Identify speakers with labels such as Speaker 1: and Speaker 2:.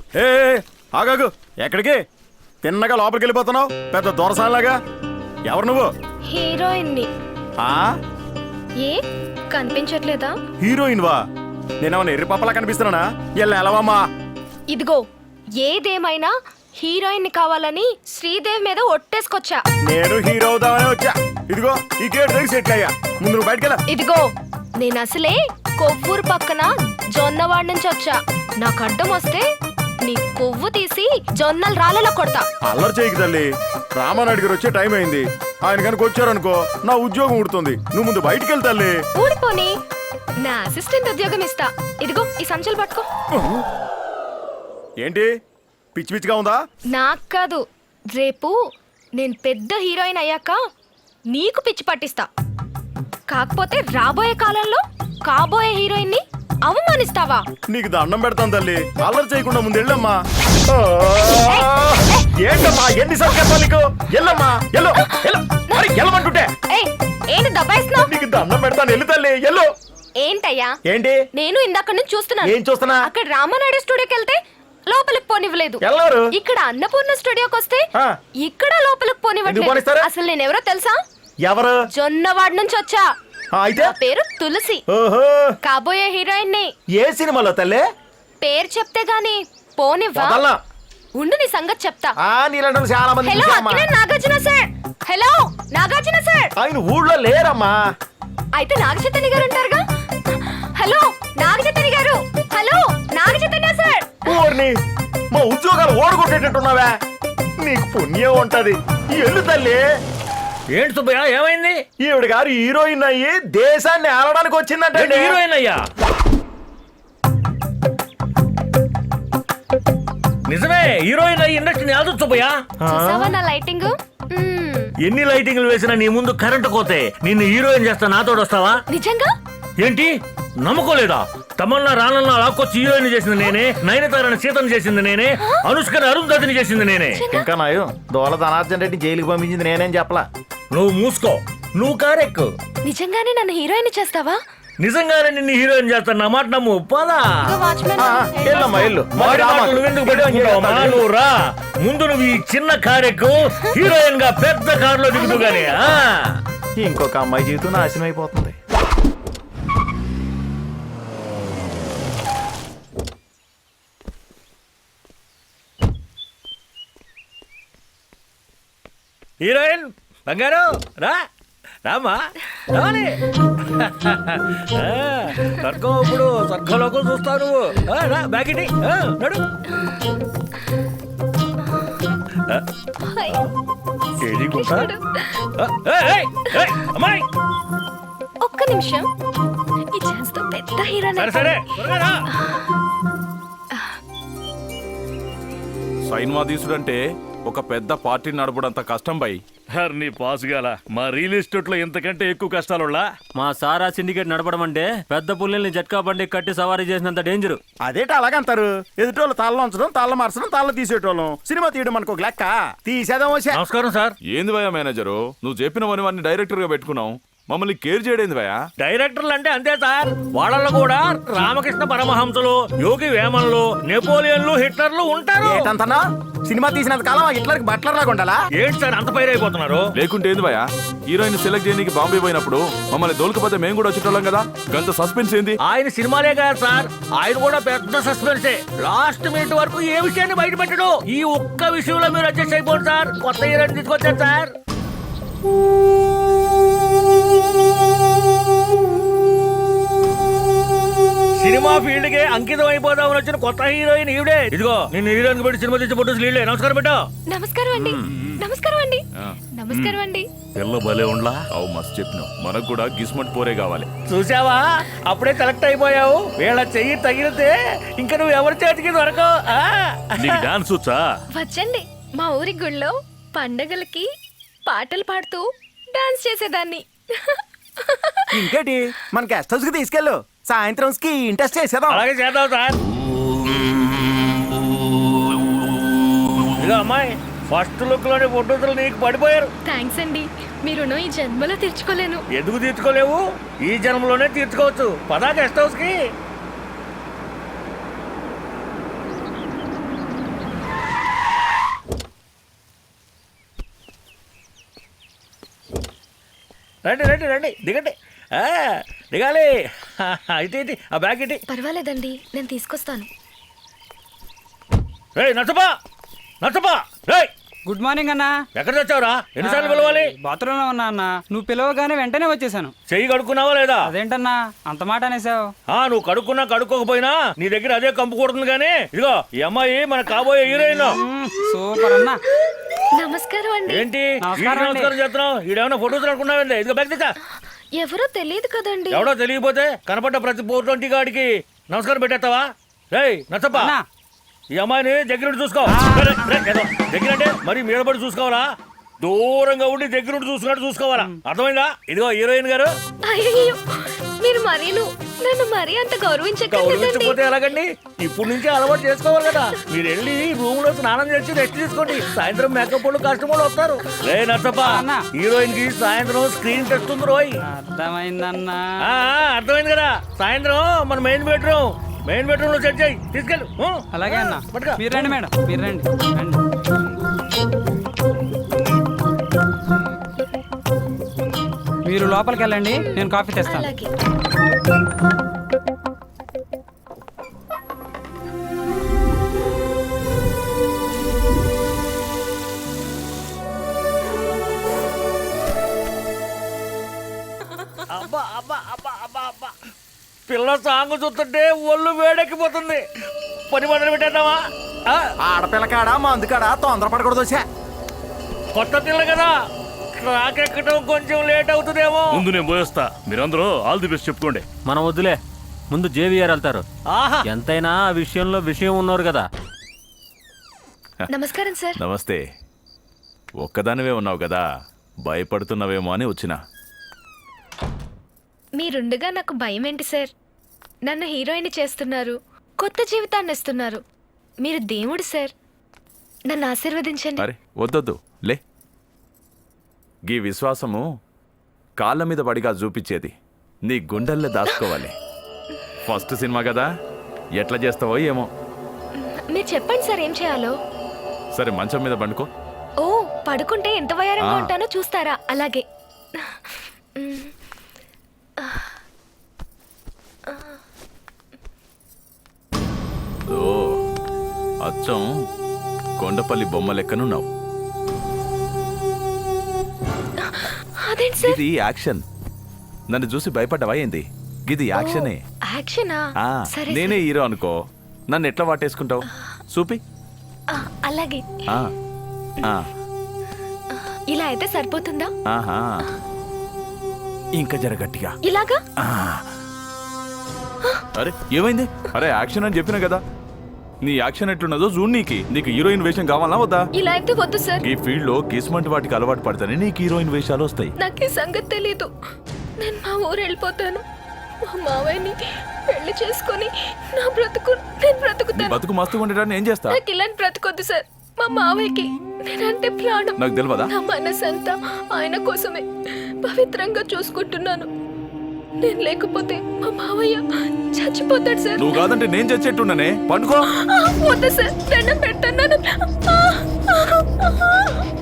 Speaker 1: ఏ ఆగాగు, ఎక్కడికి? తిన్నగా లోపలికి వెళ్ళిపోతున్నావు పెద్ద దొరసాలాగా. ఎవరు నువ్వు?
Speaker 2: హీరోయిన్ ని. ఏ కనిపించట్లేదా?
Speaker 1: హీరోయిన్ వా? నేనేమన్నా ఎర్రి పప్పలా కనిపిస్తున్నానా? ఎల్లవమ్మా.
Speaker 2: ఇదిగో ఏదేమైనా హీరోయిన్ ని కావాలని శ్రీదేవి మీద ఒట్టేసుకొచ్చా.
Speaker 1: నేను హీరో అవుదామనే వచ్చా. ఇదిగో ఈ గేట్ దగ్గర సెటిల్ అయ్యా. ముందు నువ్వు బయటకెళ్ళ.
Speaker 2: ఇదిగో నేను అసలే కొవ్వూరు పక్కన జొన్నవాడ నుంచి వచ్చా. నాకు అడ్డం వస్తే నీ కొవ్వు తీసి జొన్నలు రాళ్ళలో కొడతా.
Speaker 1: అల్లరి చేయకు తల్లి. రామానాయుడు గారు వచ్చే టైం అయింది. ఆయన కనుక వచ్చారనుకో నా ఉద్యోగం ఊడుతుంది. నువ్వు ముందు బయటికి వెళ్తాలి.
Speaker 2: ఊడిపోని నా అసిస్టెంట్ ఉద్యోగం ఇస్తా. ఇదిగో ఈ సంచులు పట్టుకో.
Speaker 1: ఏంటి పిచ్చి పిచ్చిగా ఉందా?
Speaker 2: నాకు కాదు, రేపు నేను పెద్ద హీరోయిన్ అయ్యాక నీకు పిచ్చి పట్టిస్తా. కాకపోతే రాబోయే కాలంలో కాబోయే హీరోయిన్ ని అవమానిస్తావా?
Speaker 1: నీకు దండం పెడతాను తల్లి. అల్లరి చేయకుండా ముందు వెళ్ళమ్మా. ఏంటమ్మా ఎన్నిసార్లు చెప్పాలి నీకు? ఎల్లమ్మా ఎల్లు. ఎల్లమంటుంటే
Speaker 2: ఏంటి దబాయిస్తున్నావు?
Speaker 1: నీకు దండం పెడతాను. ఎల్లు తల్లి ఎల్లు.
Speaker 2: ఏంటయ్యా?
Speaker 1: ఏంటి?
Speaker 2: నేను ఇందాక నుంచి చూస్తున్నాను.
Speaker 1: ఏం చూస్తున్నా?
Speaker 2: అక్కడ రామానాయుడు స్టూడియోకి వెళ్తే లోపలికి పోనివ్వలేదు.
Speaker 1: ఎవరు?
Speaker 2: ఇక్కడ అన్నపూర్ణ స్టూడియోకి వస్తే ఇక్కడ లోపలికి పోనివ్వట్లేదు. అసలు నేను ఎవరో తెలుసా?
Speaker 1: ఎవరు?
Speaker 2: జొన్నవాడ నుంచి వచ్చా.
Speaker 1: అయితే
Speaker 2: పేరు తులసి.
Speaker 1: ఓహో,
Speaker 2: కాబోయే హీరోయిన్ ని.
Speaker 1: ఏ సినిమాలో తల్లి?
Speaker 2: పేరు చెప్తే గాని పోనివ్వా? ఉండు నీ సంగతి చెప్తా.
Speaker 1: చాలా మంది.
Speaker 2: Hello Nagarjuna sir. Hello Nagarjuna sir.
Speaker 1: ఆయన ఊళ్ళో లేరమ్మా.
Speaker 2: అయితే నాగచైతన్య గారు ఉంటారుగా. హలో నాగచైతన్య గారు. Hello Naga Chaitanya sir.
Speaker 1: ఊర్ని మా ఉద్యోగాలు ఓడగొట్టేటట్టున్నావా? నీకు పుణ్యం ఉంటది. ఎల్లు తల్లి.
Speaker 3: ఏంటి సుబ్బయ్య ఏమైంది?
Speaker 1: ఈవిడ గారు హీరోయిన్ అయ్యి దేశాన్ని ఆడడానికి వచ్చిందంటే.
Speaker 3: హీరోయిన్ అయ్యా? నిజమే, హీరోయిన్ అయ్యి ఇండస్ట్రీని ఆదు సుబ్బయ్య.
Speaker 2: చూసావా నా లైటింగ్?
Speaker 3: ఎన్ని లైటింగ్లు వేసినా నీ ముందు కరెంటు కోతే నిన్ను హీరోయిన్ చేస్తా నాతోడు వస్తావా?
Speaker 2: నిజంగా?
Speaker 3: ఏంటి నమ్మకోలేదా? తమన్నా రానన్నా లాక్కొచ్చి హీరోయిన్ చేసింది నేనే, నయనతారని సీతను చేసింది నేనే, అనుష్కని అరుంధతిని చేసింది నేనే.
Speaker 1: ఇంకా నాయు దోల ధనార్జన్ రెడ్డి జైలుకి పంపించింది నేనేం చెప్పలా.
Speaker 3: నువ్వు మూసుకో, నువ్వు కారెక్కు.
Speaker 2: నిజంగానే నన్ను హీరోయిన్ చేస్తావా?
Speaker 3: నిజంగానే నిన్ను హీరోయిన్ చేస్తాను, నా మాట నమ్ము. పోలా నువ్వెందుకు పెట్టుకుంటావమ్మా? నువ్వు రా ముందు, నువ్వు ఈ చిన్న కారెక్కు, హీరోయిన్ గా పెద్ద కారులో దిగుతూ గానీ.
Speaker 1: ఇంకొక అమ్మాయి జీవితం నాశనం అయిపోతుంది.
Speaker 3: హీరోయిన్ బంగారు రా, రామా రావాలి. స్వర్గం ఇప్పుడు స్వర్గంలోకి చూస్తావు నువ్వు. రా బ్యాగిటి నడు. అమ్మాయి
Speaker 2: ఒక్క నిమిషం, ఈ ఛాన్స్ తో పెద్ద హీరోయిన్.
Speaker 3: సరే
Speaker 4: సైన్మా తీసుడంటే ఒక పెద్ద పార్టీ నడపడంత కష్టం బై.
Speaker 3: నీ పాసుగాల మా రియల్ ఎస్టేట్ లో ఎంతకంటే ఎక్కువ కష్టాలులా.
Speaker 5: మా సారా సిండికేట్ నడపడం అంటే పెద్ద పుల్లల్ని జట్కా బండి కట్టి సవారీ చేసినంత డేంజర్.
Speaker 1: అదేట అలాగంటారు? ఎదుటోళ్ళు తాళ్ళ ఉంచడం, తాళ్ళ మార్చడం, తాళ్ళ తీసేటోళ్ళం. సినిమా తీయడం మనకు ఒక లెక్క. తీసేదాం.
Speaker 3: నమస్కారం సార్.
Speaker 4: ఏంది భయ మేనేజరు, నువ్వు చెప్పినవన్నీ డైరెక్టర్ గా పెట్టుకున్నావు, మమ్మల్ని కేర్ చేయడేంది భయ?
Speaker 3: డైరెక్టర్లు అంటే అంతే సార్, వాళ్ళలో కూడా రామకృష్ణ పరమహంసలు, యోగి వేమన్లు, నెపోలియన్లు, హిట్లర్లు ఉంటారు.
Speaker 1: ఏంటంతనా? సినిమా తీసినంత కాలం హిట్లర్కి బట్లర్ లాగా ఉండాలా?
Speaker 3: ఏంటి సార్ అంత పైరైపోతున్నారు?
Speaker 4: లేకుంటే ఏంది భయ, హీరోయిన్ సెలెక్ట్ చేయడానికి బాంబే పోయినప్పుడు మమ్మల్ని దొలకపోతే మేము కూడా వచ్చేటోళ్ళం కదా. గంత సస్పెన్స్ ఏంది?
Speaker 3: ఆయన సినిమాలే కదా సార్, ఆయన కూడా పెద్ద సస్పెన్సే. లాస్ట్ మినిట్ వరకు ఏ విషయాన్ని బయట పెట్టడు. ఈ ఒక్క విషయంలో మీరు అడ్జస్ట్ అయిపోండి సార్. కొత్త హీరోయిన్ తీసుకొచ్చారు సార్. సినిమా ఫీల్డ్ కే అంకితం అయిపోదామని వచ్చిన కొత్త హీరోయిన్ ఈవిడే. ఇదిగో నిన్ను హీరోయిన్ పెట్టి సినిమా తీసి ఫోటోస్ లీడే. నమస్కారం పెట్టా.
Speaker 2: నమస్కారం అండి. నమస్కారం అండి. నమస్కారం అండి.
Speaker 3: పిల్ల భలే ఉండలా.
Speaker 4: అవు మస్తు చెప్పినావు, మనకు కూడా గిస్మట్ పోరే కావాలి.
Speaker 3: చూసావా, అప్పుడే సెలెక్ట్ అయిపోయావు. వీళ్ళ చెయ్యి తగిలితే ఇంకా నువ్వు ఎవరి చేతికి దొరకవు.
Speaker 4: నీకు డాన్స్ వచ్చా?
Speaker 2: వచ్చండి, మా ఊరి గుళ్ళో పండగలకి పాటలు పాడుతూ డాన్స్ చేసేదాన్ని.
Speaker 1: ఇంకేటి, మన గెస్ట్ హౌస్ కి తీసుకెళ్ళు. సాయంత్రం కి ఇంట్రెస్ట్ చేసేదాం.
Speaker 3: అలాగే చేద్దాం సార్. ఇదిగో అమ్మాయి, ఫస్ట్ లుక్ లోని ఫోటోలు నీకు పడిపోయారు.
Speaker 2: థ్యాంక్స్ అండి, మీ రుణం ఈ జన్మలో తీర్చుకోలేను.
Speaker 3: ఎందుకు తీర్చుకోలేవు? ఈ జన్మలోనే తీర్చుకోవచ్చు. పదా గెస్ట్ హౌస్ కి. రండి రండి రండి దిగండి ఆ, దిగాలి ఇటు ఆ బ్యాగ్ ఇటు.
Speaker 2: పర్వాలేదండి నేను తీసుకొస్తాను.
Speaker 3: రేయ్ నచ్చపా నచ్చపా రేయ్
Speaker 6: గుడ్ మార్నింగ్ అన్నా.
Speaker 3: ఎక్కడ తెచ్చావురా? ఎన్నిసార్లు పిలవాలి?
Speaker 6: బాత్రూంలో ఉన్నా అన్న. నువ్వు పిలవగానే వెంటనే వచ్చేసాను.
Speaker 3: చెయ్యి కడుక్కున్నావా లేదా?
Speaker 6: అదేంటన్నా అంత మాట అనేసావు?
Speaker 3: నువ్వు కడుక్కున్నా కడుక్కోకపోయినా నీ దగ్గర అదే కంపు కొడుతుంది కానీ ఇదిగో ఈ అమ్మాయి మన కాబోయే హీరోయిన్.
Speaker 6: సూపర్ అన్నా.
Speaker 2: నమస్కారం అండి.
Speaker 3: ఏంటి
Speaker 6: నమస్కారం అండి.
Speaker 3: నమస్కారం చేస్తున్నావు? ఈడేమన్నా ఫోటోస్ అనుకున్నావండి? ఇదిగో బ్యాగ్ తెచ్చా.
Speaker 2: ఎవరో తెలియదు కదండి.
Speaker 3: ఎవడో తెలియకపోతే కనపడ్డ ప్రతి పోటీ గాడికి నమస్కారం పెట్టేస్తావా? రేయ్ నచ్చప్పా
Speaker 6: అన్నా.
Speaker 3: ఈ అమ్మాయిని దగ్గరుండి చూసుకో. దగ్గర అంటే మరి మీద పడి చూసుకోవాలా? దూరంగా ఉండి దగ్గరుండి చూసుకున్నట్టు చూసుకోవాలా? అర్థమైందా? ఇదిగో హీరోయిన్ గారు.
Speaker 2: అయ్యో మీరు నన్ను మరీ అంత గౌరవించకండి.
Speaker 3: గౌరవించకపోతే ఎలాగండి? ఇప్పుడు నుంచే అలవాటు చేసుకోవాలి కదా. మీరు వెళ్ళి రూమ్ లో స్నానం చేసి రెస్ట్ తీసుకోండి. సాయంత్రం మేకప్ వాళ్ళు కస్టమర్లు వస్తారు. రే నచ్చప్ప
Speaker 6: అన్నా.
Speaker 3: హీరోయిన్ కి సాయంత్రం స్క్రీన్ టెస్ట్ ఉంది రోయ్.
Speaker 6: అర్థమైందన్నా.
Speaker 3: అర్థమైంది కదా. సాయంత్రం మన మెయిన్ బెడ్రూమ్ లో సెట్ చేయి. తీసుకెళ్ళు.
Speaker 6: అలాగే అన్న.
Speaker 3: పట్టుకో.
Speaker 6: మీరు రండి మేడం, మీరు రండి రండి. మీరు లోపలికి వెళ్ళండి, నేను కాఫీ తెస్తాను.
Speaker 2: అలాగే.
Speaker 3: అబ్బా అబ్బా అబ్బా అబ్బా అబ్బా పిల్ల సాంగ్ చూస్తుంటే ఒళ్ళు వేడెక్కిపోతుంది. పని మొదలు పెట్టేద్దామా?
Speaker 1: ఆడపిల్లకాడా మందుకాడా తొందరపడకూడదు వచ్చా.
Speaker 3: కొత్త పిల్ల కదా, ట్రాక్ ఎక్కడం కొంచెం లేట్ అవుతుందేమో.
Speaker 7: ముందు నేను పోయేస్తా, మీరందరూ ఆల్ ది బెస్ట్ చెప్పుకోండి.
Speaker 5: మనం వద్దులే, ముందు జేవిఆర్ వెళ్తారు.
Speaker 3: ఆహా
Speaker 5: ఎంతైనా ఆ విషయంలో విషయం ఉన్నారు కదా.
Speaker 2: నమస్కారం సార్.
Speaker 4: నమస్తే. ఒక్కదానివే ఉన్నావు కదా, భయపడుతున్నావేమో అని వచ్చిన.
Speaker 2: మీరుండగా నాకు భయం ఏంటి సార్? నన్ను హీరోయిన్ చేస్తున్నారు, కొత్త జీవితాన్ని ఇస్తున్నారు. మీరు దేవుడు సార్, నన్ను ఆశీర్వదించండి.
Speaker 4: అరే వద్దొద్దు లే. గీ విశ్వాసము కాళ్ళ మీద పడిగా చూపించేది నీ గుండెల్లో దాచుకోవాలి. ఫస్ట్ సినిమా కదా, ఎట్లా చేస్తావో ఏమో.
Speaker 2: మీరు చెప్పండి సార్ ఏం చేయాలో.
Speaker 4: సరే మంచం మీద పండుకో.
Speaker 2: ఓ పడుకుంటే ఎంత వయారంగా ఉంటానో చూస్తారా? అలాగే.
Speaker 4: ఓ అచ్చం కొండపల్లి బొమ్మ లెక్కనున్నావు.
Speaker 2: అదేంటి సార్?
Speaker 4: ఇది యాక్షన్. నన్ను చూసి భయపడ్డావా ఏంది? ఇది యాక్షనే.
Speaker 2: యాక్షనా?
Speaker 4: ఆ,
Speaker 2: సరే
Speaker 4: నేనే హీరో అనుకో, నన్ను ఎట్లా వాటేసుకుంటావు? చూపి.
Speaker 2: అలాగే.
Speaker 4: ఆ, ఆ,
Speaker 2: ఇలా అయితే సరిపోతుందా?
Speaker 4: ఆహా. ఇంకా జరగట్టిగా.
Speaker 2: ఇలాగా?
Speaker 4: అరే ఏమైంది? అరే యాక్షన్ అని చెప్పినా కదా. నీ యాక్షన్ ఎట్లున్నదో చూడు. నీకు హీరోయిన్ వేషం కావాలా వద్దా?
Speaker 2: ఇలా అయితే వద్దు సార్.
Speaker 4: ఈ ఫీల్డ్ లో కిస్మంటి వాటికి అలవాటు పడతానే నీకు హీరోయిన్ వేషాలు వస్తాయి.
Speaker 2: నాకు ఈ సంగతి తెలీదు. నేను మా ఊరు వెళ్ళిపోతాను. మా మావయ్యని పెళ్లి చేసుకొని నా బ్రతుకు నేను
Speaker 4: నీ
Speaker 2: బ్రతుకుతాను.
Speaker 4: బతుకు మస్తుగా ఉండటాన్ని ఏం చేస్తా?
Speaker 2: నాకు ఇలాంటి బ్రతుకొద్దు సార్. మా మావయ్యకి నేనంటే ప్రాణం.
Speaker 4: నాకు తెలియదా?
Speaker 2: నా మనసంతా ఆయన కోసమే పవిత్రంగా చూసుకుంటున్నాను. నేను లేకపోతే మా మావయ్య చచ్చిపోతాడు సార్.
Speaker 4: నువ్వు కాదంటే నేను చచ్చేట్టున్నానే. పండుకో.
Speaker 2: వద్దు సార్, దండం పెడతాను.